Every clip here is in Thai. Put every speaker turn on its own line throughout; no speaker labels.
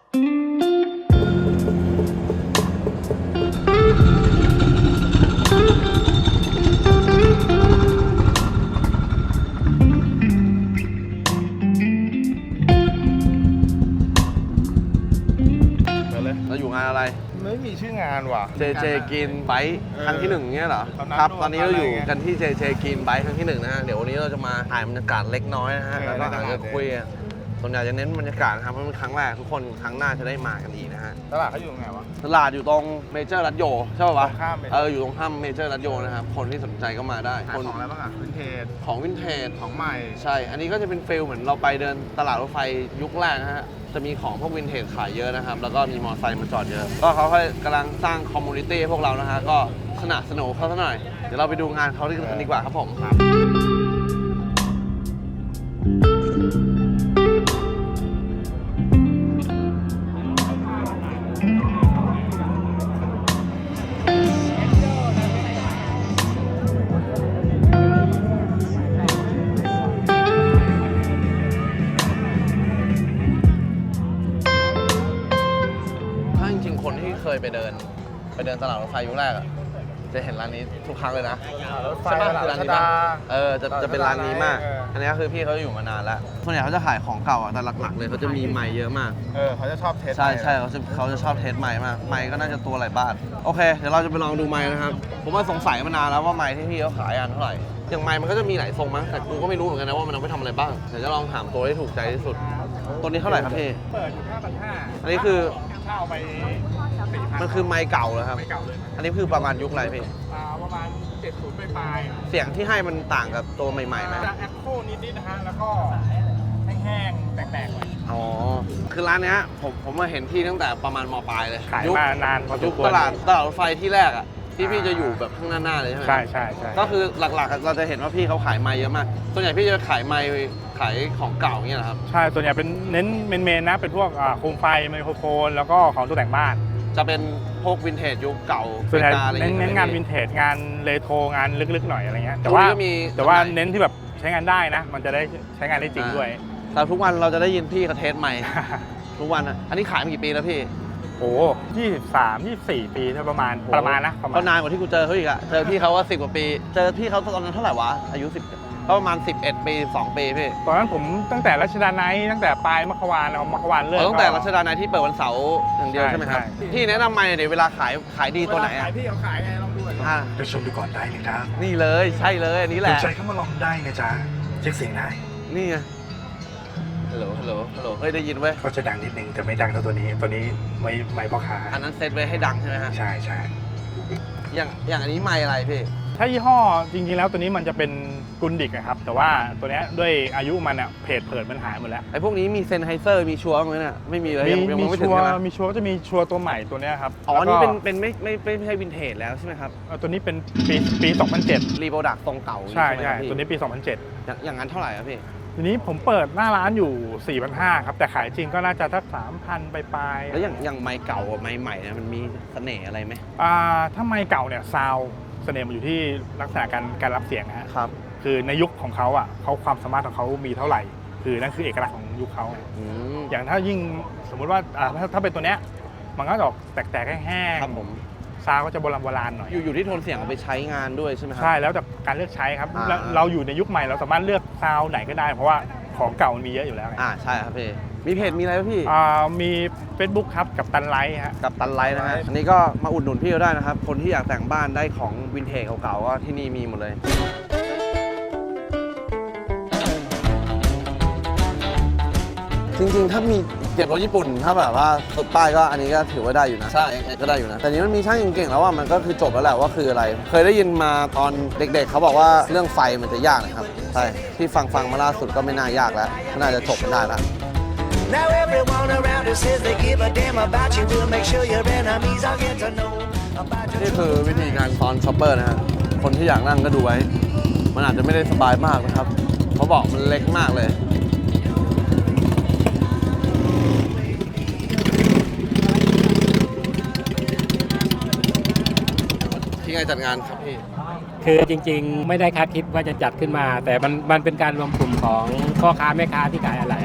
เราอยู่งานอะไร
ไม่มีชื่องานว่ะ
JJ Green Bike ครั้งที่1เนี่ยเหรอครับตอนนี้เราอยู่กันที่ JJ Green Bike ครั้งที่1นะฮะเดี๋ยววันนี้เราจะมาถ่ายบรรยากาศเล็กน้อยนะฮะแล้วก็อาจจะคุยส่วนใหญ่จะเน้นบรรยากาศนะครับเพราะเป็นครั้งแรกทุกคนครั้งหน้าจะได้มากันอีกนะฮะ
ตลาดเขาอยู่ตรงไหนวะ
ตลาดอยู่ตรงเมเจอร์รัตโยใช่ป่าวะอยู่ตรงข้ามเมเจอร์รัตโยนะครับคนที่สนใจก็มาได้
ขายของอะไรบ้างอะวินเทจ
ของวินเทจ
ของใหม่
ใช่อันนี้ก็จะเป็นฟิลเหมือนเราไปเดินตลาดรถไฟยุคแรกนะฮะจะมีของพวกวินเทจขายเยอะนะครับแล้วก็มีมอเตอร์ไซค์มาจอดเยอะก็เขากำลังสร้างคอมมูนิตี้ให้พวกเรานะฮะก็สนับสนุนเขาซะหน่อยเดี๋ยวเราไปดูงานเขาดีกว่าครับผมคนที่เคยไปเดินตลาดรถไฟยุคแรกอะจะเห็นร้านนี้ทุกครั้งเลยนะ
ใช่ป่ะ
ร้านนี้จะเป็นร้านนี้มากอันนี้คือพี่เขาอยู่มานานแล้วส่วนใหญ่เขาจะขายของเก่าอะแต่หลักๆเลยเขาจะมีไมค์เยอะมาก
เขาจะชอบเทส
ใช่เขาจะชอบเทสไมค์มากไมค์ก็น่าจะตัวหลายบาทโอเคเดี๋ยวเราจะไปลองดูไมค์นะครับผมว่าสงสัยมานานแล้วว่าไมค์ที่พี่เขาขายอันเท่าไหร่อย่างไมค์มันก็จะมีหลายทรงมั้งแต่กูก็ไม่รู้เหมือนกันนะว่ามันเอาไปทำอะไรบ้างเดี๋ยวจะลองถามตัวที่ถูกใจที่สุดตัวนี้เท่าไหร่ครับพี่
เปิดอยู่ 5,500
อันนี้คือ
เช่าไป
มันคือไมค์เก่าเหรอครับ
ไมค์เก่าเลย
อันนี้คือประมาณยุคอะไรพี่
ประมาณ70ปลาย
เสียงที่ให้มันต่างกับตัวใหม่ๆไหม
จะแอคโคนิดนะฮะแล้วก็แห้งๆแตกๆหน่อย
อ๋อคือร้านนี้ผมมาเห็นที่ตั้งแต่ประมาณม.ปลายเลย
ขายมานานพอส
มควรตลาดรถไฟที่แรกอ่ะที่พี่จะอยู่แบบข้างหน้าเลยใช่ไหม
ใช่
ก็คือหลักๆเราจะเห็นว่าพี่เขาขายไมค์เยอะมากส่วนใหญ่พี่จะขายไมค์ขายของเก่าอย่างเงี้ยครับ
ใช่ส่วนใหญ่เป็นเน้นเมนนะเป็นพวกโคมไฟไมโครโฟนแล้วก็ของตกแต่งบ้าน
จะเป็นพวกวินเทจยุคเก่า
ส่วนใหญ่เน้นงานวินเทจงานเรโทรงานลึกๆหน่อยอะไรเงี้ยแต่ว่าเน้นที่แบบใช้งานได้นะมันจะได้ใช้งานได้จริงด้วย
แต่ทุกวันเราจะได้ยินพี่เขาเทสใหม่ทุกวันอันนี้ขายมากี่ปีแล้วพี่
โอ้23-24 ปีประมาณนะ
ก็นานกว่าที่กูเจอเขาอีกอะเจอพี่เขาว่า10 กว่าปีเจอพี่เขาตอนนั้นเท่าไหร่วะอายุ10ก็ประมาณ11 ปี2 ปีพี่
ตอนนั้นผมตั้งแต่รัชดาไนท์ตั้งแต่ปลายมัคควานเลิก
ตั้งแต่รัชดาไนท์ที่เปิดวันเสาร์อย่างเดียวใช่ไหมครับพี่แนะนำไมเดี๋ยวเวลาขายดีตัวไหน
ขายพี่เขาขายไงลองดูหน่อย
ไปชมดูก่อนได้เลยครับ
นี่เลยใช่เลยอันนี้แหละ
สนใจเข้ามาลองได้นะจ๊ะเช็คเสียงได้
นี่ไงฮัลโหลเฮ้ยได้ยินเว้ย
ก็จะดังนิดนึงแต่ไม่ดังเท่าตัวนี้ไม่พ่อค้า
อันนั้นเซตไว้ให้ดังใช่ไหมฮะ
ใช่
อย่างอันนี้ไมค์อะไรพี่
ถ้ายี่ห้อจริงๆแล้วตัวนี้มันจะเป็นกุนดิกนะครับแต่ว่าตัวนี้ด้วยอายุมันอะเพจเผิดมันหายหมดแล้ว
ไอ้พวกนี้มีเซนไฮเซอร์มีชัวร์ไหมเนี่ยไม่มีเลย
ยังไม่ถึงใช่ไหมมีชัวร์จะมีชัวร์ตัวใหม่ตัวนี้ครับ
อ๋อนี่เป็นไม่ใช่วินเทจแล้วใช่ไหมครับ
ตัวนี้เป็นปี 2007
รีโปรดักต์ทรงเก่า
ใช่ตัวนี้ปี
2007อย่างนั้นเท่าไหร่ครับพี่
ทีนี้ผมเปิดหน้าร้านอยู่ 4,500 ครับแต่ขายจริงก็น่าจะสัก 3,000 ปลาย
แล้วอย่างไมค์เก่ากับไมค์ใหม่เนี่ยมันมีเสน่ห์อะไรไหม
ถ้าไมค์เก่าเนี่ยซาวเสน่ห์มันอยู่ที่ลักษณะการรับเสียง
นะครับ
คือในยุคของเขาอ่ะเขาความสามารถของเขามีเท่าไหร่คือนั่นคือเอกลักษณ์ของยุคเขาอย่างถ้ายิ่งสมมุติว่าถ้าเป็นตัวเนี้ยมันก็จะออกแตกๆแห้ง
ครับผม
ซาวก็จะโบราณหน่อย
อยู่ที่โทนเสียงเอาไปใช้งานด้วยใช่ไหมครับ
ใช่แล้วแต่การเลือกใช้ครับเราอยู่ในยุคใหม่เราสามารถเลือกซาวไหนก็ได้เพราะว่าของเก่ามันมีเยอะอยู่แล้ว
ใช่ครับพี่มีเพจมีอะไรไหมพี่
มี Facebook ครับกับตันไลท์ฮะ
กับตันไลท์นะฮะอันนี้ก็มาอุดหนุนพี่ก็ได้นะครับคนที่อยากแต่งบ้านได้ของวินเทจเก่าๆก็ที่นี่มีหมดเลยจริงๆถ้ามีเก็บรถญี่ปุ่นถ้าแบบว่าสุดป้ายก็อันนี้ก็ถือว่าได้อยู่นะใช่ก็ได้อยู่นะแต่นี้มันมีช่างเก่งๆแล้วว่ามันก็คือจบแล้วแหละว่าคืออะไรเคยได้ยินมาตอนเด็กๆเขาบอกว่าเรื่องไฟมันจะยากนะครับใช่ที่ฟังมาล่าสุดก็ไม่น่ายากแล้วน่าจะจบกันได้แล้ว Now everyone around us says they give a damn about you. We'll make sure your enemies all get to know about you. นี่คือวิธีการซ้อนช็อปเปอร์นะฮะคนที่อยากนั่งก็ดูไว้มันอาจจะไม่ได้สบายมากนะครับเขาบอกมันเล็กมากเลยที่ไงจัดงานครับพี่
คือจริงๆไม่ได้คาดคิดว่าจะจัดขึ้นมาแต่มันเป็นการรวมกลุ่มของพ่อค้าแม่ค้าที่ขายอะไร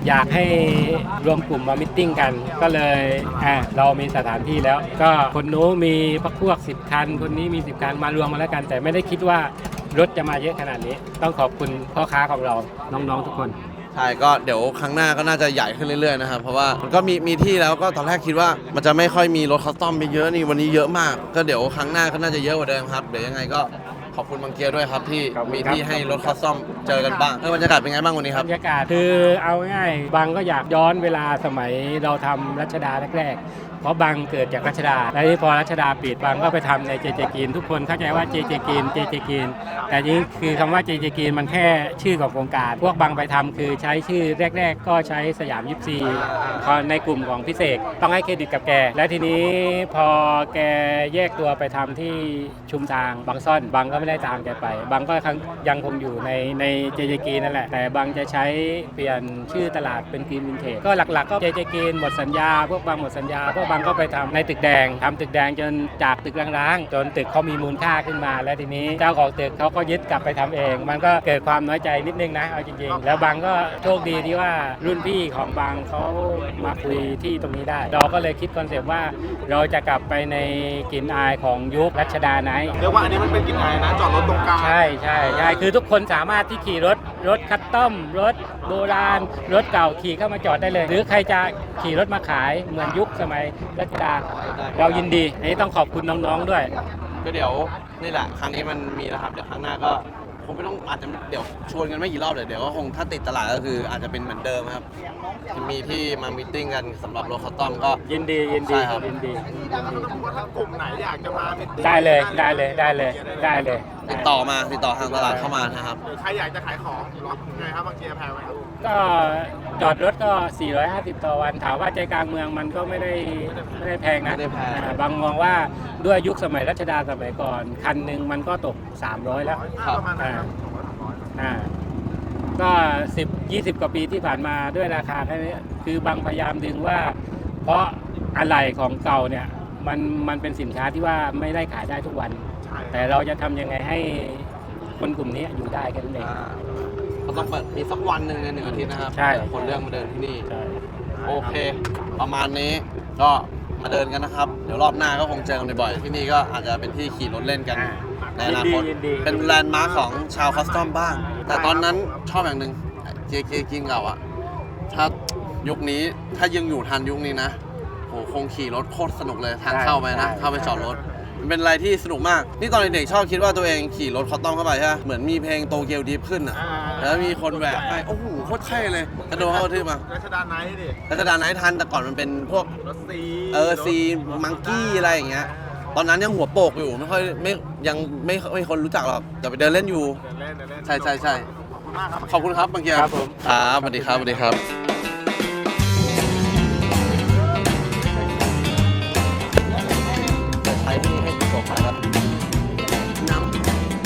อยากให้รวมกลุ่มมามิทติ้งกัน ก็เลยเรามีสถานที่แล้ว ก็คนนู้นมีพวก10 คัน คนนี้มี10 คันมารวมมาแล้วกัน แต่ไม่ได้คิดว่ารถจะมาเยอะขนาดนี้ ต้องขอบคุณพ่อค้าของเราน้องๆทุกคน
ใช่ก็เดี๋ยวครั้งหน้าก็น่าจะใหญ่ขึ้นเรื่อยๆนะครับเพราะว่ามันก็มีที่แล้วก็ตอนแรกคิดว่ามันจะไม่ค่อยมีรถคัสตอมไปเยอะนี่วันนี้เยอะมาก ก็เดี๋ยวครั้งหน้าก็น่าจะเยอะกว่าเดิมครับเดี๋ยวยังไงก็ขอบคุณบางเกียร์ด้วยครับที่
ขอบคุณ
มี
ครับ
ที่ให้รถคัสตอมเจอกันบ้างบรรยากาศเป็นไงบ้างวันนี้ครับ
บรรยากาศคือเอาง่ายบางก็อยากย้อนเวลาสมัยเราทำรัชดาแรกๆเพราะบางเกิดจากรัชดาและที่พอรัชดาปิดบางก็ไปทำในเจเจกีนทุกคนเข้าใจว่าเจเจกีนแต่จริงคือคำว่าเจเจกีนมันแค่ชื่อของโครงการพวกบางไปทำคือใช้ชื่อแรกๆก็ใช้สยาม24พอในกลุ่มของพิเศษต้องให้เครดิตกับแกและทีนี้พอแกแยกตัวไปทำที่ชุมทางบางซ่อนบางก็ไม่ได้ตามแกไปบางก็ยังคงอยู่ในเจเจกีนนั่นแหละแต่บางจะใช้เปลี่ยนชื่อตลาดเป็นกรีนวินเทจก็หลักๆก็เจเจกีนหมดสัญญาพวกบางหมดสัญญาพวกบางก็ไปทำในตึกแดงทำตึกแดงจนจากตึกร้างๆจนตึกเขามีมูลค่าขึ้นมาและทีนี้เจ้าของตึกเขาก็ยึดกลับไปทำเอง มันก็เกิดความน้อยใจนิดนึงนะเอาจริงๆแล้วบางก็โชคดีที่ว่ารุ่นพี่ของบางเขามาคุยที่ตรงนี้ได้เราก็เลยคิดคอนเซปต์ว่าเราจะกลับไปในกลิ่นอายของยุครัชดาไนท์
เรียกว่าอันนี้มันเป็นกลิ่นอายนะจอดรถตรงกลาง
ใช่คือทุกคนสามารถที่ขี่รถคัสตอมรถโบราณรถเก่าขี่เข้ามาจอดได้เลย หรือใครจะขี่รถมาขายเหมือนยุคสมัยรัชดาเรายินดีอันนี้ต้องขอบคุณน้องๆด้วย
ก็เดี๋ยวนี่แหละครั้งนี้มันมีแล้วครับเดี๋ยวครั้งหน้าก็คงไม่ต้องอาจจะเดี๋ยวชวนกันไม่กี่รอบเดี๋ยวก็คงถ้าติดตลาดก็คืออาจจะเป็นเหมือนเดิมครับมีที่มามีตติ้งกันสำหรับรถคัสตอมก็
ยินดี
ใช่ครับ
ยินดี
ถ้ากลุ่มไหนอยากจะมาเป็น
ได้เลย
ติดต่อทางตลาดเข้ามานะครับ
หรือใครอยากจะขายของรับไงครับบางเกียร์แพงไหมครับ
ก็จอดรถก็ 450 ต่อวันถามว่าใจกลางเมืองมันก็ไม่ได้แพงนะ
ไม่ได้แพง
บางมองว่าด้วยยุคสมัยรัชดาสมัยก่อนคันหนึ่งมันก็ตก 300 แล้ว
ประมาณนั้นครับ
ก็10-20 กว่าปีที่ผ่านมาด้วยราคาแค่นี้คือบางพยายามดึงว่า เพราะอะไหล่ของเก่าเนี่ยมันเป็นสินค้าที่ว่าไม่ได้ขายได้ทุกวัน
ใช่
แต่เราจะทำยังไงให้คนกลุ่มนี้อยู่ได้กันเอง
ก็ต้องเปิดมีสักวันหนึ่งใน1 อาทิตย์นะครับ
ใช่
คนเรื่องมาเดินที่นี่
ใช่
โอเค ประมาณนี้ก็มาเดินกันนะครับ เดี๋ยวรอบหน้าก็คงเจอกันบ่อยๆที่นี่ก็อาจจะเป็นที่ขี่รถเล่นกันในอนาคต
ยินดี
เป็นแลนด์มาร์คของชาวคัสตอมบ้าง แต่ตอนนั้นชอบอย่างหนึ่งเจกินเก่าอะถ้ายุคนี้ถ้ายังอยู่ทันยุคนี้นะโหคงขี่รถโคตรสนุกเลยทางเข้าไปนะ เข้าไปจอดรถมันเป็นอะไรที่สนุกมาก นี่ตอนเด็กๆชอบคิดว่าตัวเองขี่รถคัสตอมเข้าไปใช่ไหมเหมือนมีเพลงโตเกียวดิฟขึ้นอะแล้วมีคนแหวกไปโอ้โหโคตรเท่เลยกระโดดเข้ากระทืบมา
รัชดาไนท์ดิ
รัชดาไนท์ทันแต่ก่อนมันเป็นพวก
รถซี
ซีมังกี้อะไรอย่างเงี้ยตอนนั้นยังหัวโปกอยู่ไม่ค่อยยังไม่คนรู้จักหรอกแต่ไปเดินเล่นอยู่
เล่น
ใช่
ขอบคุณมากครับ
ขอบคุณครับบางเกียร์
ครับผม
ครับสวัสดีครับสวัสดีครับใช้ที่ให้จบครับน้ำ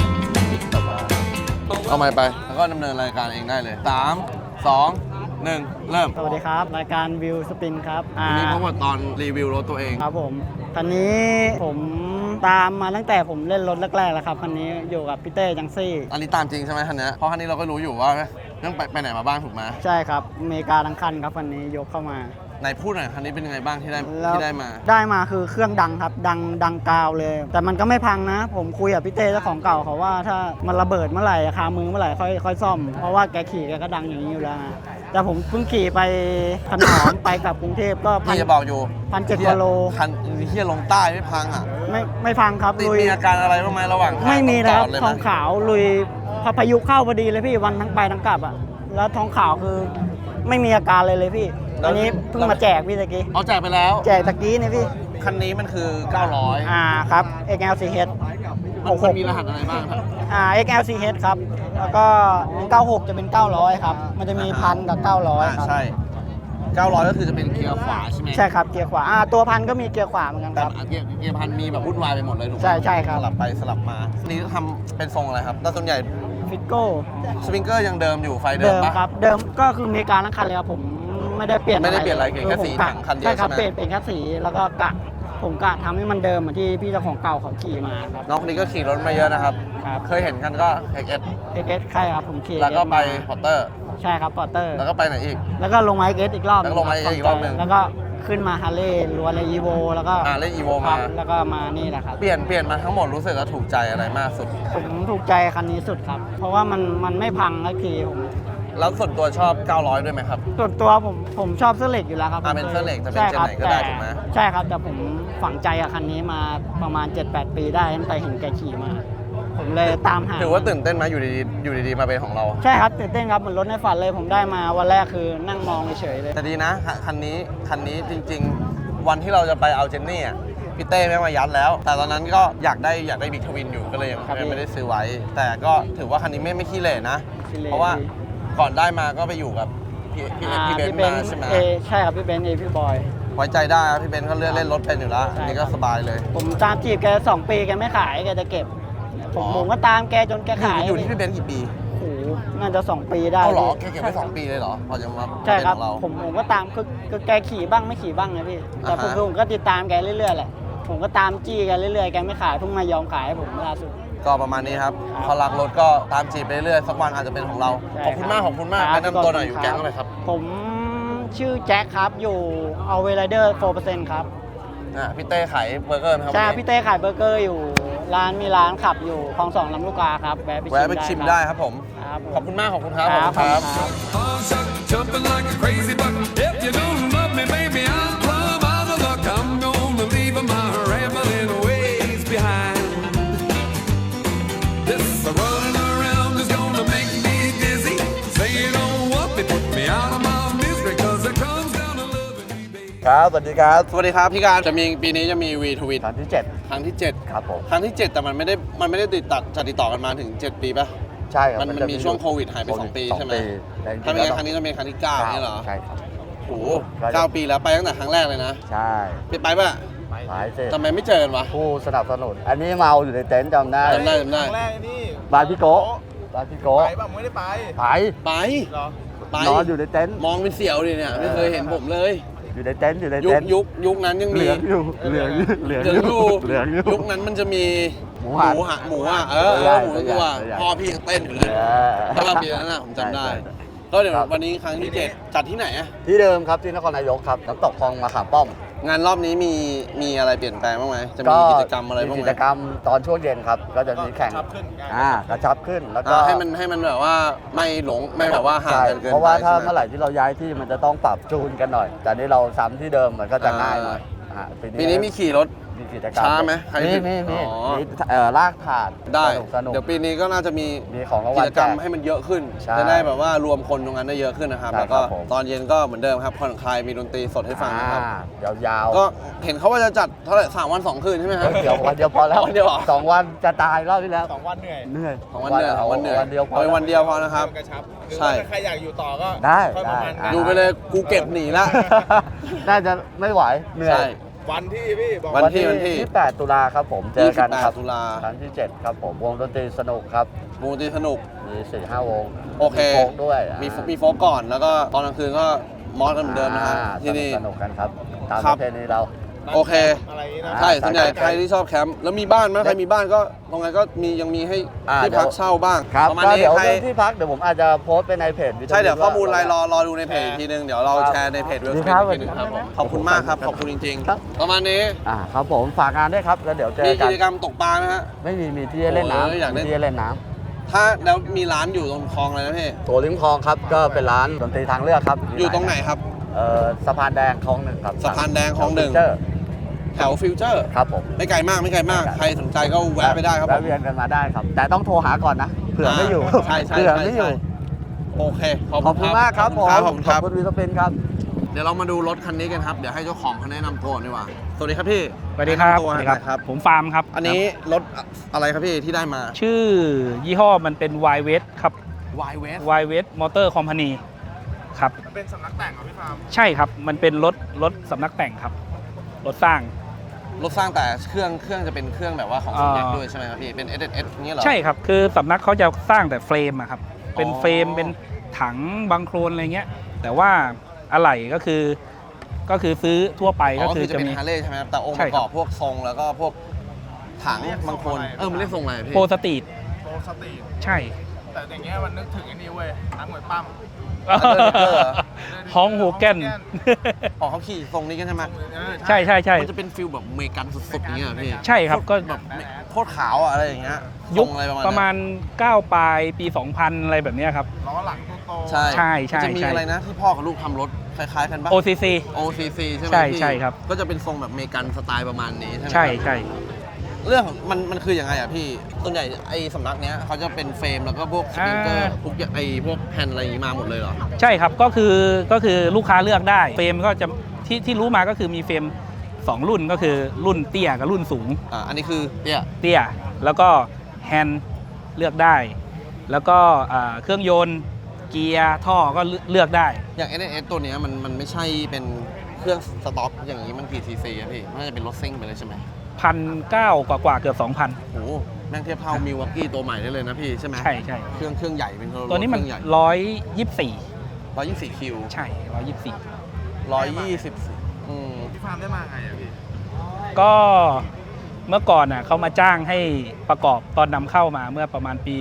เอาไม้ไปแล้วก็ดำเนินรายการเองได้เลย3 2 1 เริ่ม
สวัสดีครับ รายการวิวสปินครับ
วันนี้พบกับตอนรีวิวรถตัวเอง
ครับผมคันนี้ผมตามมาตั้งแต่ผมเล่นรถแรกๆแล้วครับคันนี้อยู่กับพี่เต้จังซี่
อันนี้ตามจริงใช่ไหมคันนี้เพราะคันนี้เราก็รู้อยู่ว่าต้องไปไหนมาบ้างถูกไหม
ใช่ครับอเมริกาทั้งคันครับคันนี้ยกเข้ามา
ไหนพูดหน่อยคันนี้เป็นยังไงบ้างที่ได้
แล้ว
ที่ได้มา
ได้มาคือเครื่องดังครับ ดังกาวเลย แต่มันก็ไม่พังนะ ผมคุยกับพี่เต้เจ้าของเก่าเขาว่าถ้ามันระเบิดเมื่อไหร่คามือเมื่อไหร่ค่อยซ่อม เพราะว่าแกขี่แกก็ดังอย่างนี้อยู่แล้วนะแต่ผมเพิ่งขี่ไปขนอม ไปกับกรุงเทพก็
พี่จะบอกอยู่
1,700 กว่าโล
คันเฮียลงใต้ไม่พังอ่ะ
ไม่พังครับ
ติด
ลุย
มีอาการอะไรบ้างไหมระหว่างทาง
ไม่มี
ต้
นะ
อง
ค
จ
รั
อบ ดเลย
ท
ไหม
องขาวลุยพายุเข้าพอดีเลยพี่วันทั้งไปทั้งกลับอ่ะแล้วทองขาวคือไม่มีอาการเลยพี่อันนี้เพิ่งมาแจกพี่ตะกี้
เอาแจกไปแล้ว
แจกตะกี้นี่พี่
คันนี้มันคือ 900
ครับ XL4H
มันมีรหัสอะไรบ้างครับ
XL4H ครับแล้วก็96จะเป็น900ครับมันจะมี1,000กับ900ครับ
ใช่ 900 ก็คือจะเป็นเกียร์ขวาใช่ไหม
ใช่ครับเกียร์ขวาตัว1,000ก็มีเกียร์ขวาเหมือนกัน
แต่
ครับ
เกียร์พันมีแบบวุ่นวายไปหมดเลยถูกไหม
ใช่ครับ
สลับไปสลับมาอันนี้ทำเป็นทรงอะไรครับแต่ส่วนใหญ่
ฟิตโก้
สปริงเกอร์ยังเดิมอยู่ไฟเดิ
เดิ
ม
ม
ปะ
ครับเดิมก็คืออเมริกาทั้งคันเลยครับผมไม่ได้เปลี่ยน
ไม่ได้เปลี่ยนอะไรเปลี่ยนแค่สี
ผมกะ
ถังคันเดียว
ใช่ครับ
ใช่ไหม
เปลี่ยนแค่สีแล้วก็ผมกะทำให้มันเดิมเหมือนที่พี่เจ้าของเก่าเขาขี่มาครับ
น้องคนนี้ก็ขี่รถมาเยอะนะครับ
ครับ
เคยเห็นกันก็ XS
XS ใช่ครับผมขี่
แล้วก็ไป
มา
พอร์เตอร์
ใช่ครับปอร์เตอร์
แล้วก็ไปไหนอีก
แล้วก็ลงไมค์เกสอีกรอบ
แล้วก็ลงไมค์เกสอีกรอบหนึ่ง
แล้วก็ขึ้นมาฮาร์เลย์ล้วนเลยอีโวแล้วก็
เล่นอีโว
ครั
มา
บแล้วก็มานี่แหละครับ
เปลี่ยนมาทั้งหมดรู้สึกว่าถูกใจอะไรมากสุด
ผมถูกใจคันนี้สุดครับ เพราะว่ามันไม่พังสักทีผม
แล้วส่วนตัวชอบ 900 ด้วยไหมครับ
ส่วนตัวผมชอบเสื้อเหล็กอยู่แล้วครับ
เป็นเสื้อเหล็กจะเป็น
ใช่ครับ
เจนไหนก็ได้ถูกไหม
ใช่ครับแต่ผมฝังใจกับคันนี้มาประมาณ 7-8 ปีได้ตั้งแต่เห็นแกขี่มา ผมเลยตามหา
ถือว่าตื่นเต้นไหมอยู่ดีๆมาเป็นของเรา
ใช่ครับตื่นเต้นครับเหมือนรถในฝันเลยผมได้มาวันแรกคือนั่งมองเฉยๆเลย
แต่ดีนะคันนี้จริงๆ วันที่เราจะไปเอาเจนนี่อ่ะพี่เต้แม่งมายัดแล้ว แต่ตอนนั้นก็อยากได้บิ๊กทวินอยู่ก็เลยยัง
ครับพี่
ไม่ได้ซื้อไว้ แต่ก็ถือว่าคันนี้ไม่ขี้เหร่นะ
ขี้เหร่
เพราะว่าก่อนได้มาก็ไปอยู่กับพี่เบนซ์มาใช่ไหม
ใช่ครับพี่เบนซ์พี่บอย
ไว้ใจได้ครับพี่เบนซ์เขาเลื่อนเล่นรถเป็นอยู่แล้ว
ใช่
อันนี่ก็สบายเลย
ผมตามจีบแก2 ปีแกไม่ขายแกจะเก็บ ผมก็ตามแกจนแกขาย
อยู่ที่พี่เบนซ์กี่ปี
โอ้โหน่าจะ2 ปีได้
เอาเหรอแก
พี่
เก็บไว้2 ปีเลยเหรอพอจะมา
ใช่ครับ
เป็นของเรา
ผมก็ตามคือแกขี่บ้างไม่ขี่บ้างนะพี่แต่
อ่าฮะ
ผมก็ติดตามแกเรื่อยๆแหละผมก็ตามจี้แกเรื่อยๆแกไม่ขายเพิ่งมายอมขายให้ผมล่าสุด
ก็ประมาณนี้ครับ
ครับ
พอรักรถก็ตามจีบไปเรื่อยสักวันอาจจะเป็นของเรา
ใช่
ขอบคุณมาก
ครับ
ขอบคุณมาก
ครับ
แนะนำตัวหน่อยอ
ข
ยู่
อบคุณ
แก๊ง
ครับ
อะไรครับ
ผมชื่อแจ็คครับอยู่เอาเวลเดอร์ 4% ครับ
พี่เต้ขายเบอร์เกอร์ไหมครับ
ใช่
วันนี้
พี่เต้ขายเบอร์เกอร์อยู่มีร้านขับอยู่คลอง2ลำลูกกาครับแวะ
แวะไปชิมได้ครับผม
ครับผม
ขอบคุณมากขอบคุณครับ
ครับ
ขอบคุณครับ
ครับ
Jumping like a crazy buck. If you don't love me, baby, I'm plumb out of luck. I'm gonna leave my rambling ways behind. This running around is gonna make me dizzy. Say you don't want me, put me out of my misery, 'cause it comes down to loving me, baby.
ครับสวัสดีครับ
สวัสดีครับพี่การจะมีปีนี้จะมีวีทวิต
ครั้งที่
ครั้งที่
7 ครับผม
7 ครั้งที่ 7 แต่มันไม่ได้ติดต่อกันมาถึง 7 ปีป่ะ
ใช่ครับ
มัน
จะ
มีช่วงโควิดหายไป 2 ปีใช่ไหม
แต่จริงๆ
ถ้าไม่งั้น
แล้ว
ครั้งนี้จะเป็นครั้งที่ 9 นี่เหรอ
ใช่ครับ
โอ้โห9 ปีแล้วไปตั้งแต่ครั้งแรกเลยนะ
ใช่
พี่ไปป่ะ
หายเสร็จ
ทำไมไม่เจอกันวะ
ผู้สนับสนุน อันนี้เมาอยู่ในเต็นท์จำได้
จำได้
ครั้งแรกนี่
บ้านพี่โกะบ้านพี่โกะ
ไปป่ะไม่ได้ไป
ไป
ไป
เหรอ
ไป
นอนอยู่ในเต็นท์
มองเป็นเสี่ยวดิเนี่ยไม่เคยเห็นผมเลย
อยู่ในเต็นท์อยู่ใน
ยุค
เต็นท์
ยุคนั้นยัง
เห
มี
ลืองอยู่เหลืองอยู่เหลือง
เหลืองอยู่
เหลืองอยู่
ยุคนั้นมันจะมี
หมูหัน
หมูอ่ะหมู
ใหญ่
ตัว
ใหญ่
พ่อพี่ยังเต้นอยู่เลย
เออ
ถ้าเราปีนั้นน่ะผมจำได้
ใช่
ก็เดี๋ยว
ครับ
วันนี้ครั้งที่ 7 จัดที่ไหนอะ
ที่เดิมครับที่นครนายกครับน้ำตกคลองมะขามป้อม
งานรอบนี้มีอะไรเปลี่ยนแปลงบ้างไหมจะมีกิจกรรมอะไรบ้าง
มี
ไหม
กิจกรรมตอนช่วงเย็นครับ ก็จะมีแข่ง
กระชับขึ้นไง
กระชับขึ้นแล้วก็
ให้มันแบบว่าไม่แบบว่าห่าง
ใช่
กันเกินไป
เพราะว่าถ้า
ใช่ไห
เมื่อไหร่ที่เราย้ายที่มันจะต้องปรับจูนกันหน่อย แต่นี่เราซ้ำที่เดิมมันก็จะง่ายหน่อย
ปีนี้มีขี่รถ
มีกิจกรรม
ช้าไหมใคร
มี
อ๋อ
มีลากถาด
ได้
สนุก
เดี๋ยวปีนี้ก็น่าจะมี
มีของรางวั
กิ
ล
จกรรม
แจก
ให้มันเยอะขึ้น
ใช่
จะได้แบบว่ารวมคนตรงนั้นได้เยอะขึ้นนะครับ
ใช่
แล้วก็
ครับผม
ตอนเย็นก็เหมือนเดิมครับผ่อนคลายมีดนตรีสดให้ฟังนะครับ
ยาว
ก็เห็นเขาว่าจะจัดเท่าไหร่3 วัน 2 คืนใช่ไหมครับ
เดี๋ยววันเดียวพอแล้ว
วันเดียวเหรอ
2 วันจะตายรอบที่แล้ว
2 วันเหนื่อย
เหนื่อย
2 วันเหนื่อย2 วันเหนื่อย
วันเดียวพอ
เอาไปวันเดียวพอนะครับ
กระชับหรือ
ใช่
ว่าถ้าใครอยากอยู่ต่อก็
ได้
ค่อยมามัน
ได้
กัน
ดูไปเลยกูเก็บหนีละ
น่าจะไม่ไหวเหนื่อย
ใช่
วันที่พี่บอก
วันที่
8 ตุลาครับผมเจอกันครับ
28 ตุลา
ครั้งที่ 7 ครับผมวงดนตรีสนุกครับ
มูตีสนุก
มี 4-5 วง
โอเค
มีโฟกด้วย
มีโฟกก่อนแล้วก็ตอนกลางคืนก็มอสกันเหมือนเดิมนะฮะที่นี่
สนุกกันครับ ตาม
ครั
ป
บ
ระเพณีเรา
โอเค
อะไรอย่างนี้นะ
ใช่ส่วนใหญ่ใครที่ชอบแคมป์แล้วมีบ้านไหมใครมีบ้านก็ตรงนั้นก็ยังมีให้ที่พักเช่าบ้าง
ครับ
ประมาณ
ก็
นี้
เดี๋ยว
ใคร
เรื่องที่พักเดี๋ยวผมอาจจะโพสต์ไปในเพจวิทยุ
ใช่เดี๋ยวข้อมูลอะไรร
ว่า
อดูในเพจอีกทีนึงเดี๋ยวเราแชร์ในเพจเว็บ
ดี
ไซ
ครับ
ต์อีกทีนึงครับผมขอบคุณมากครับขอบคุณจริง
ครับ
ๆ ประมาณนี้
ครับผมฝากงานด้วยครับแล้วเดี๋ยวเจ
มี
อกั
กิ
น
จกรรมตกปลานะฮะ
ไม่มีที่ให้เล่น
โอ้ยอยาก
น้ำ
เล่
มี
น
ที่ให้เล่นน้
ถ้าแล้วมีร้านอยู่ตรงคลองอะไรนะพี่
ำโถลิมคลองครับก็เป็นร้านดนตรีทางเลือกครับ
อยู่ตรงไหนครับ
สะพานแดงคลองหนึ่งครับ
สะพานแดงคลองหนึ่ง
เจอ
แถวฟิวเจอร์
ครับผม
ไม่ไกลมากใครสนใจก็แวะไปได้ครับผ
แวะ
ม
เวียนกันมาได้ครับ แต่ต้องโทรหาก่อนนะเผื่อไม่อยู่
ใช่ใช่
เผื่อ
ใช่
ไม่อยู่
ใช่โอเค
ขอบคุณมากครับผม
ขอบคุณครับ
ขอบคุณวีสเปนครับ
เดี๋ยวเรามาดูรถคันนี้กันครับ เดี๋ยวให้เจ้าของเขาแนะนำตัวดีกว่า สวัสดีครับพี่
สวัสดีครับ
แนะนำตัวหน่อยครับ
ผมฟาร์มครับ
อันนี้รถอะไรครับพี่ที่ได้มา
ชื่อยี่ห้อมันเป็น y w e s t ครับ
Y West
y w e s t Motor Company ครับ
มันเป็นสำนักแต่งเหรอพี่ฟาร์ม
ใช่ครับ มันเป็นรถสำนักแต่งครับ รถสร้าง
รถสร้างแต่เครื่องจะเป็นเครื่องแบบว่าของ
อ่า
สมเด็จด้วยใช่ไหมครับพี่ เป็น SS นี้เหรอ
ใช่ครับ คือสำนักเขาจะสร้างแต่เฟรมอะครับ เป็น
อ๋อ
เฟรม เป็นถังบางโครนอะไรเงี้ย แต่ว่าอะไหล่ก็คือซื้อทั่วไป
อ๋
ก็
อ
คือ
จะ
จะ
เป็น
มี
ฮาร์เลย์ใช่ไหมครับ แต่องค์
ใช่
ประ
ค
ก
รับ
อบพวกทรงแล้วก็พวกถังบางคน มันเรียกทรงอะไรพี่
โปรสตรีท
โปรสตรีท
ใช่
แต่อย่างเงี้ยมันนึกถึงไอ้นี่เว้ยนักมวยปั้ม
ฮองโฮแกน
ออกเขาขี่ทรงนี้กันใช่ไหม
ใช่ใช่ใช่
มันจะเป็นฟิลแบบอเมริกันสุดๆอย่างเงี้ยเหรอพี่
ใช่ครับก็
แบบโคตรขาวอะอะไรอย่างเงี้ย
ยุค
ทรงอะไร
ประมาณ 9 ปลายปี 2000 อะไรแบบเนี้ยครับ
ล้อหลังโต
ใช่
ใช่ใช่
มันจะมี
ใช่
อะไรนะที่พ่อกับลูกทำรถคล้ายๆกันปะ
OCC
OCC ใช่ไหม
ใช่
พี่
ใช่ครับ
ก็จะเป็นทรงแบบอเมริกันสไตล์ประมาณนี้ใช่ไหม
ใช่
ครับ
ใช่
เรื่องของมันคือยังไงอะพี่ส่วนใหญ่ไอ้สำนักเนี้ยเขาจะเป็นเฟรมแล้วก็พวกสปริงเกอร์พวกไอ้พวกแผ่นอะไรอย่างงี้มาหมดเลยเหรอ
ใช่ครับก็คือลูกค้าเลือกได้เฟรมก็จะที่รู้มาก็คือมีเฟรม 2 รุ่นก็คือรุ่นเตี้ยกับรุ่นสูง
อันนี้คือเนี่ย
เตี้ยแล้วก็แฮนด์เลือกได้ แล้วก็เครื่องยนต์เกียร์ท่อก็เลือกได้
อย่าง NS ตัวเนี้ยมันไม่ใช่เป็นเครื่องสต็อกอย่างนี้มันกี่ซีซีอะพี่มันน่าจะเป็นรถซิ่งไปเลยใช่ไหม
1,900 กว่าเกือบ 2,000
โอ้โหแม่งเทียบเท่ามิว a กี้ตัวใหม่ได้เลยนะพี่ใช่ไหม
ใช่ใช่
เครื่องใหญ่เป็น
ตัวนี้มัน
เครื่องใหญ่
124
124 คิว
ใช่ 124
120
พี่ฟาร์มได้มาไงอะพี่
ก็เมื่อก่อนน่ะเขามาจ้างให้ประกอบตอนนำเข้ามาเมื่อประมาณปี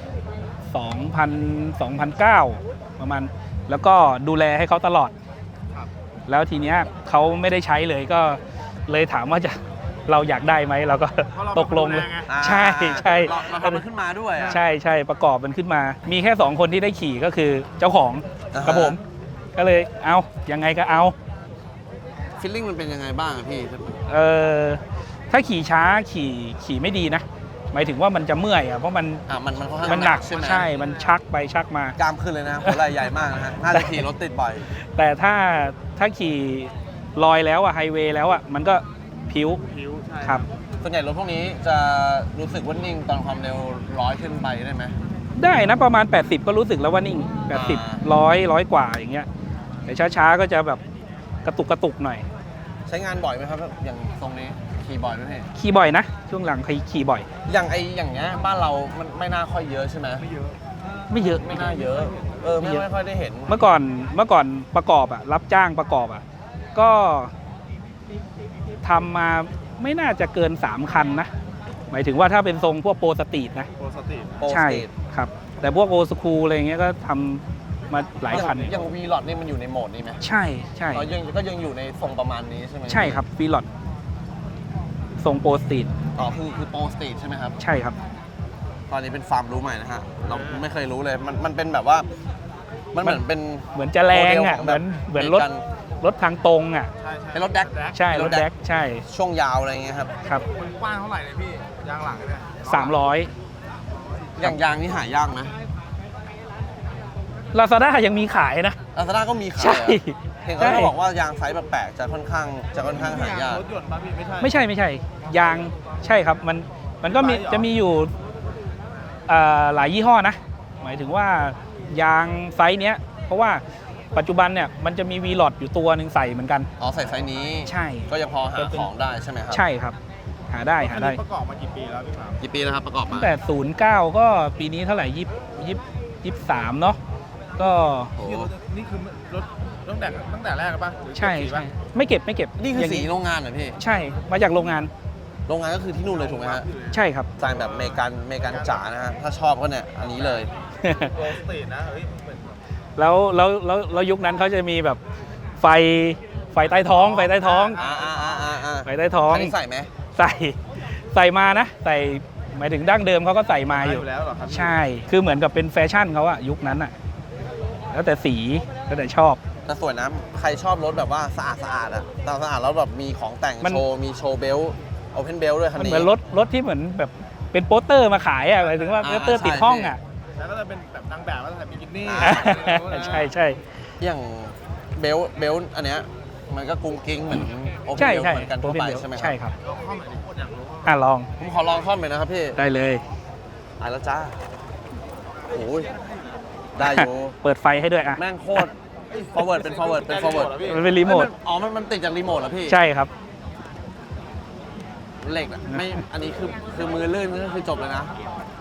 2009 ประมาณแล้วก็ดูแลให้เขาตลอด แล้วทีเนี้ยเขาไม่ได้ใช้เลยก็เลยถามว่าเราอยากได้ไหมเราก็ตกลงเลยใช่ใช่
เราทำมันขึ้นมาด้วยอะ
ใช่ใช่ประกอบมันขึ้นมา มีแค่ 2 คนที่ได้ขี่ก็คือเจ้าของ
อ่าฮะ
กับผม ก็เลยเอายังไงก็เอา
ฟีลลิ่งมันเป็นยังไงบ้างอะพี่
เออถ้าขี่ช้าขี่ไม่ดีนะ หมายถึงว่ามันจะเมื่อยอ่ะเพราะมัน
มันค่อนข้าง
มันหนัก
ใช่ไหม
ใช่มันชักไปชักมา
กล้ามขึ้นเลยนะหัวไหล่ใหญ่มากนะฮะน่าจะขี่รถติดบ่อย
แต่ถ้าขี่ลอยแล้วอ่ะไฮเวย์แล้วอ่ะมันก็ผิว
ใช่
ครับ
ส่วนใหญ่รถพวกนี้จะรู้สึกว่านิ่งตอนความเร็ว100ขึ้นไปได้ไหม
ได้นะประมาณ 80 ก็รู้สึกแล้วว่านิ่ง 80 100กว่าอย่างเงี้ยแต่ช้าๆก็จะแบบกระตุกหน่อย
ใช้งานบ่อยไหมครับอย่างตรงนี้ขี่บ่อยไหมพี่
ขี่บ่อยนะ ช่วงหลังขี่บ่อย
อย่างเงี้ยบ้านเรามันไม่น่าค่อยเยอะใช่ไหมไม่เยอะ
ไม่เยอะ
ไม่น่าเยอะไม่ค่อยได้เห็น
เมื่อก่อนประกอบอ่ะรับจ้างประกอบอ่ะก็ทำมาไม่น่าจะเกิน 3 คันนะ หมายถึงว่าถ้าเป็นทรงพวกโปรสตรีทนะ
โปรสตรีท
โปร
ใช่
สตรีท
ครับ แต่พวกโอสคูลอะไรเงี้ยก็ทำมาหลายคัน
อย่างวีลอดนี่มันอยู่ในโหมดนี้ไหม
ใช่ใช่
ก็ยังอยู่ในทรงประมาณนี้ใช่ไหม
ใช่ครับฟีลอดทรงโปรสตรีท
คือโปรสตรีทใช่ไหมครับ
ใช่ครับ
ตอนนี้เป็นฟาร์มรู้ใหม่นะฮะเราไม่เคยรู้เลยมันเป็นแบบว่ามันเหมือนเป็น
เหมือนจะแรงอ่ะ
โม
เห
เด
มื
ล
อน
ของ
เหมือน
แบบ
รถทางตรงอ่ะ
ใช่
เป็นรถแดก
ใช่รถแดกใช่
ช่วงยาวอะไรเงี้ยครับ
ครับ
มันกว้างเท่าไหร่เลยพี่ ยางหลังเนี่ย
300
อย่างยางนี่หายากนะ
ลาซาด้ายังมีขายนะ
ลาซาด้าก็มีขาย
ใช่
อะเห็นเขาบอกว่ายางไซส์แปลกๆจะค่อนข้างหายาก
รถยนต์ป่ะพี่ไม่ใช่
ไม่ใช่ยางใช่ครับมันก็มี
ไซส์เหรอ
จะมีอยู่หลายยี่ห้อนะ หมายถึงว่ายางไซส์เนี้ยเพราะว่าปัจจุบันเนี่ยมันจะมีวีลอดอยู่ตัวหนึ่งใส่เหมือนกัน
อ๋อใส่ไซส์นี้
ใช่
ก็ยังพอหาของได้ใช่ไหมครับ
ใช่ครับ หาได้
ประกอบมากี่ปีแล้วพี่ฟาร์ม
กี่ปีแล้วครับประกอบ
ตั้
มา
งแต่09ก็ปีนี้เท่าไหร่23เนาะก็
โอ้
นี่คือรถตั้งแต่แรกป่ะหรือ
ใช่
กี่ปี
ใช่
ปะ
ไม่เก็บ
นี่คือ
อย่าง
สีโรงงานเหรอพี่
ใช่มาจากโรงงาน
โรงงานก็คือที่นู่นเลยถูกไหมฮะ
ใช่ครับ
สไตล์แบบเมกันจ๋านะฮะถ้าชอบก็เนี่ยอันนี้เลย
โปรสตรีทนะเฮ้ยเหมือน
แล้วยุคนั้นเขาจะมีแบบไฟใต้ท้อง ไฟใต้ท้อง ไฟใต้ท้อง
อันนี้ใส่ไหม
ใส่มานะใส่หมายถึงดั้งเดิมเขาก็ใส่มาอยู่
แล้วเหรอครับ
ใช่ คือเหมือนกับเป็นแฟชั่นเขาอะยุคนั้นอะแล้วแต่สีแล้วแต่ชอบ
แต่สวยนะใครชอบรถแบบว่าสะอาดอะสะอาดแล้วแบบมีของแต่ง
มัน
โชว์มีโชว์เบลต์โอเพนเบลต์ด้วยคัน
มัน
นี้
เหมือนรถที่เหมือนแบบเป็นโปสเตอร์มาขายอะหมายถึงว่าโปสเตอร์
ใช่
ติดห้องอะ
แล้วก็จะเป็นแบบนางแบบแล้วใส่บิกินี่
ใช่
อย่างเบลต์อันเนี้ยมันก็กุ้งกิ้งเหมือนโอเพน
ใช่
เบลต์
ใช่
เหมือนกันทั่วไปใช่ไหมครับ
ใช่ครับ
ลองเข้ามาดิโคตรอยากรู้
ลอง
ผมขอลองค่อมเลยนะครับพี่
ได้เลย
ตายแล้วจ้าโอ้ยได้อยู่
เปิดไฟให้ด้วยอะ
แม่งโคตร forward เป็น forward
มันเป็นรีโมท
อ๋อมันติดจากรีโมทเหรอพี่
ใช่ครับ
เหล็กอะไม่อันนี้คือมือลื่นก็คือจบเลยนะ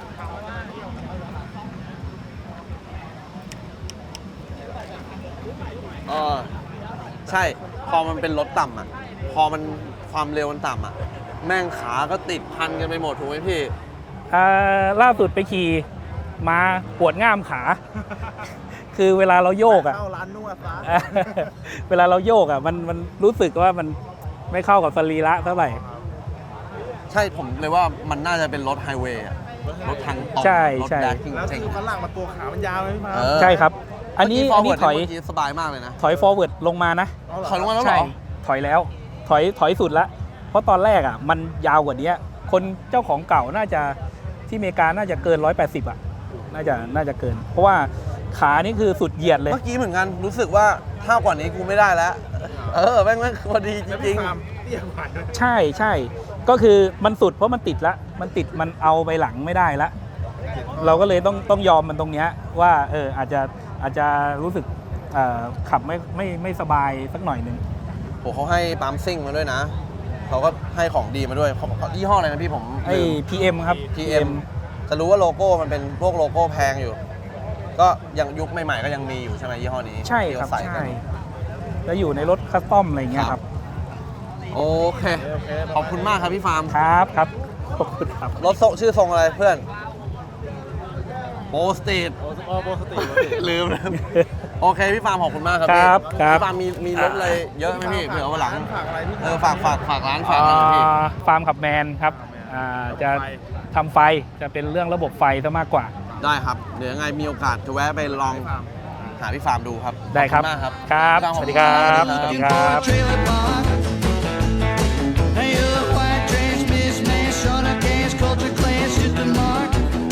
ใช่พอมันเป็นรถต่ำอ่ะพอมันความเร็วมันต่ำอ่ะแม่งขาก็ติดพันกันไปหมดถูกไหมพี่
ล่าสุดไปขี่มาปวดง่ามขาคือเวลาเราโยกอ่ะ
เข้าร้านนวดซะ
เวลาเราโยกอ่ะมันรู้สึกว่ามันไม่เข้ากับสรีระเท่าไหร่
ใช่ผมเลยว่ามันน่าจะเป็นรถไฮเวย์อะรถทางตรง
ใช่
รถ
ใช่
แดกจริง
แล้ว
จริง
คือฝรั่งมาตัวขามันยาวเลยพี่พา
ใช่ครับ อันนี้
เมื่
ถอย
เมื่กี้สบายมากเลยนะ
ถอย forward ลงมานะ
ถอยลงมาแล้วเหร
ใช่
อ
ถอยแล้วถอยสุดละเพราะตอนแรกอ่ะมันยาวกว่านี้คนเจ้าของเก่าน่าจะที่อเมริกาน่าจะเกิน180อ่ะน่าจะเกิน เพราะว่าขานี่คือสุดเหยียดเลย
เมื่อกี้เหมือนกันรู้สึกว่าถ้ากว่านี้กูไม่ได้แล้ว แม่งพอดีจริง
เตี้ยกว่าด้วย
ใช่ก็คือมันสุดเพราะมันติดละมันเอาไปหลังไม่ได้ละเราก็เลยต้องยอมมันตรงเนี้ยว่าอาจจะรู้สึกขับไม่สบายสักหน่อยหนึ่ง
ๆโหเขาให้ปั๊มซิ่งมาด้วยนะเขาก็ให้ของดีมาด้วยเขายี่ห้ออะไรนะพี่ผม
ไอ้ PM ครับ
PM จะรู้ว่าโลโก้มันเป็นพวกโลโก้แพงอยู่ ก็ยังยุคใหม่ๆก็ยังมีอยู่ใช่ไหมยี่ห้อนี้
ใช่
ที่
ครับ
เขาใส่กั
ใช่
น
แล้วอยู่ในรถคัสตอมอะไรอย่างเงี้ยครับ
โอเค ขอบคุณมากครับพี่ฟาร์ม
ครับขอบคุณครับ
รถชื่อทรงอะไรเพื่อนโบสตีด
โบสติ
ลืมโอเคพี่ฟาร์มขอบคุณมากครับ
ครับ
พี่
ครับ
พี่ฟาร์มมีรถอะไรเยอะไหมพี่เผื่อเอาวันหลัง
ฝากอะไรพี่
ฝากร้านฝากอะไรพี่
ฟาร์มขับแมนครับจะทำไฟจะเป็นเรื่องระบบไฟซะมากกว่า
ได้ครับเดี๋ยวยังไงมีโอกาสจะแวะไปลองหาพี่ฟาร์มดูครับ
ได้ครับ
ขอณมากครับ
ครับ
พี่ฟา
สวัสดีครับ
ขอณ
สวัสดี
มาก
ครับ
trailer park. Hey, you're a white trash mismatch, short of cash, culture clash, hit the mark.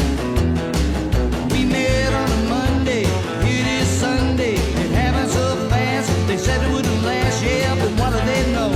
We met on a Monday, it is Sunday. It happened so fast, they said it wouldn't last, yeah, but what do they know?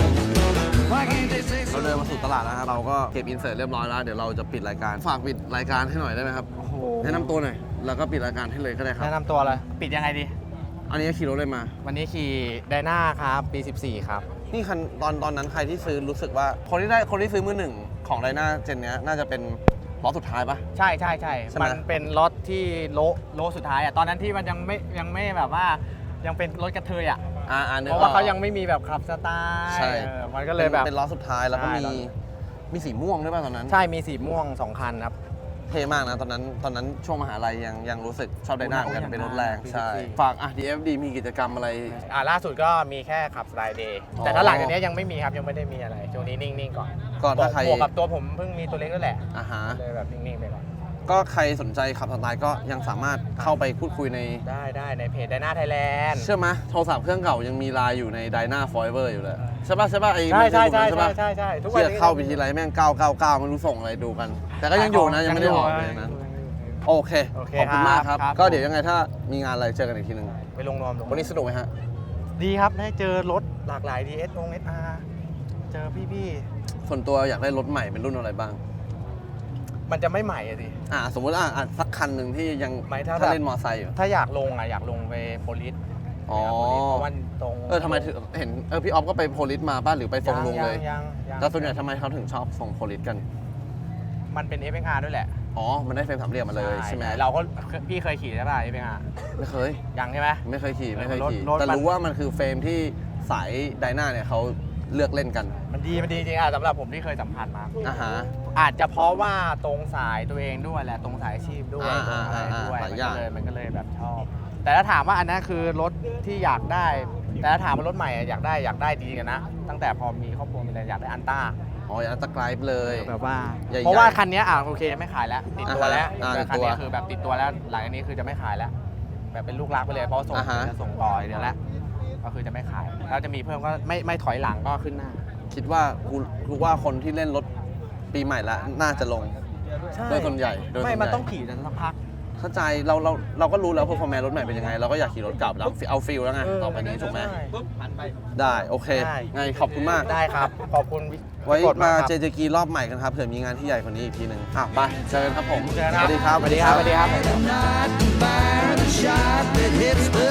Why can't they say
เราเดินมาสู่ตลาดแล้วครับเราก็เก็บอินเสิร์ตเรียบร้อยแล้วเดี๋ยวเราจะปิดรายการฝากปิดรายการให้หน่อยได้ไหมครับแนะนำตัวหน่อยแล้วก็ปิดรายการให้เลยก็ได้ครับ
แนะนำตัวเลยปิดยังไงดี
อันนี้ขี่รถเลยมา
วันนี้ขี่ไดนาครับปี 14 ครับ
นี่คันตอนนั้นใครที่ซื้อรู้สึกว่าคนที่ซื้อมือหนึ่งของไดนาเจนเนี้ยน่าจะเป็นล้อสุดท้ายปะ
ใช่
ใช่ไหม
มันเป็นรถที่โลสุดท้ายอ่ะตอนนั้นที่มันยังไม่แบบว่ายังเป็นรถกระเทยอ่ะ
นึก
เพราะว่าเขายังไม่มีแบบขับสไตล์
ใช่
มันก็เลยแบบ
เป็นล้อสุดท้ายแล้วก็
ใช่
มีสีม่วงด้วยป่ะตอนนั้น
ใช่มีสีม่วง 2 คันครับ
เท่มากนะตอนนั้นช่วงมหาลัยยังรู้สึกชอบไดนาเหมือนกันเป็นรถแรง
โอ้โห
ใช่
จริงๆ
ฝากDFD มีกิจกรรมอะไร
ล่าสุดก็มีแค่ขับสไตล์เดย์
อ๋อ
แต่ถ้าหลังจากนี้ยังไม่มีครับยังไม่ได้มีอะไรช่วงนี้นิ่งๆก่อน
ก็ถ้าใคร
บวกกับตัวผมเพิ่งมีตัวเล็กด้วยแหละ
อ่าฮะ
เลยแบบนิ่งๆไปก่อน
ก็ใครสนใจขับสไตล์ก็ยังสามารถเข้าไปพูดคุยใน
ได้ในเพจไดนาไทยแลนด์
เชื่อไหมโทรศัพท์เครื่องเก่ายังมีไลน์อยู่ใน Dyna Forever อยู่เลยใช่ป่ะไอ้
ใช่ใช่
มันจะอยู่
ใช่
ปะ
ใช่ทุกวัน
เที่ย
นี้
เข้าไปทีไรแม่ง999ไม่รู้ส่งอะไรดูกัน แต่ก็ยังอยู่นะยังไม่ได้ออกเลยนะโอเค
โอเค
ขอบคุณมากครับ
ครับ
ก็เดี๋ยวยังไงถ้ามีงานอะไรเจอกันอีกทีหนึง
ไปลงนวม
วันนี้สนุกไหมฮะ
ดีครับได้เจอรถหลากหลาย DS SR เจอพี่
ส่วนตัวอยากได้รถใหม่เป็นรุ่นอะไรบ้าง
ๆมันจะไม่ใหม่อะดิ
สมมติสักคันหนึ่งที่ยัง
ไม่ถ้า
ถ้า
แบบ
เล่นมอไซค์อยู่
ถ้าอยากลงอยากลงไปโพลิส
อ๋อ
เพราะว่าตรง
ทำไมถึงเห็นพี่ออฟก็ไปโพลิสมาป่ะหรือไปทรงลุงเลย
ยัง
แต่ส่วนใหญ่ทำไมเขาถึงชอบทรงโพลิสกัน
มันเป็น FXR ด้วยแหละ
อ๋อ มันได้เฟรมสามเหลี่ยมมาเลยใช่ไหม
เราก็พี่เคยขี่ใช่ป่ะ FXR
ไม่เคย
ยังใช่ไหม
ไม่เคยขี่
รถ
แต่
มัน
รู้ว่ามันคือเฟรมที่สายไดนาเนี่ยเขาเลือกเล่นกัน
มันดีจริงสำหรับผมที่เคยสัมผัสมา
อ่าฮะ
อาจจะเพราะว่าตรงสายตัวเองด้วยแหละตรงสายอาชีพด้วย
อ่า
ตรงอะไรด้วย
หลายอย่าง
มันก็เลยแบบชอบ แต่ถ้าถามว่าอันนั้นคือรถที่อยากได้ แต่ถ้าถามว่ารถใหม่อยากได้ดีกันนะ ตั้งแต่พอมีครอบครัวมีอะไรอยากได้อันต้า
อ๋ออยากตะไคร้เลย
แบบว่า
ใหญ่ๆ
เพราะว่าคันนี้โอเคไม่ขายแล้วติดตัวแล้ว
อ่าฮะ
แต่คันนี้
ติดตัว
คือแบบติดตัวแล้วหลังจากนี้คือจะไม่ขายแล้ว แบบเป็นลูกรักไปเลยเพราะส่ง
อ่าฮะ
จะส่งต่อเดี๋ยวแล้วก็คือจะไม่ขายแล้วจะมีเพิ่มก็ไม่ถอยหลังก็ขึ้นหน้า
คิดว่ากูว่าคนที่เล่นรถปีใหม่ละน่าจะลง โดยส่วนใหญ่โดยส่วนใหญ่
ไม่มันต้องขี่กันสักพัก
เข้าใจเราก็รู้แล้วพอร์ฟอร์แมนซ์รถใหม่เป็นยังไง เราก็อยากขี่รถเก่าแล้วเอาฟิลแล้วไงต่อไปนี้ถูกไหม
ใช่
ได้โอเค
ได้
ไงขอบคุณมาก
ได้ครับ ขอบคุณ
ไว้
กด
มา
ครับ
เจเจกีรอบใหม่กันครับเผื่อมีงานที่ใหญ่กว่านี้อีกทีหนึ่งไปเจอกันครับผม
เจอกัน
สวัสดีครับ
สวัสดีครับ
not to fire the shot that hits the